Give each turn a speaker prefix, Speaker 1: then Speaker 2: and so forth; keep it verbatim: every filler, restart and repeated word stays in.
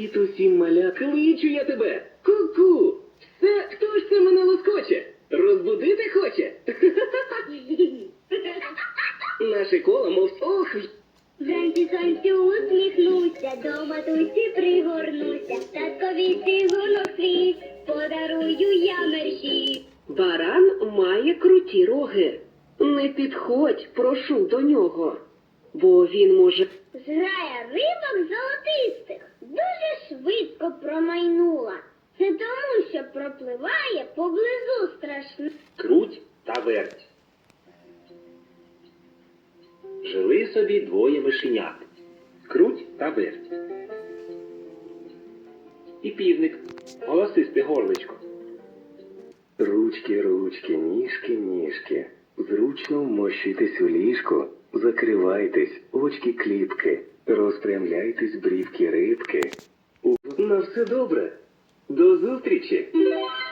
Speaker 1: Привіт усім, маля. Кличу я тебе. Ку-ку. Це хто ж це мене лоскоче? Розбудити хоче? Наше коло, мов ох.
Speaker 2: Вранці сонцю усміхнуся, до матусі пригорнуся, таткові цигунок свій, подарую я мерщій.
Speaker 3: Баран має круті роги. Не підходь, прошу, до нього, бо він може...
Speaker 2: Зграя рибок золотистих дуже швидко промайнула. Це тому, що пропливає поблизу страшно.
Speaker 1: Круть та верть. Жили собі двоє мишенят. Круть та верть. І півник. Голосисте горличко.
Speaker 4: Ручки, ручки, ніжки, ніжки. Зручно вмощуйтесь у ліжку, закривайтесь, очки кліпки, розпрямляйтесь, брівки рибки.
Speaker 1: На все добре. До зустрічі.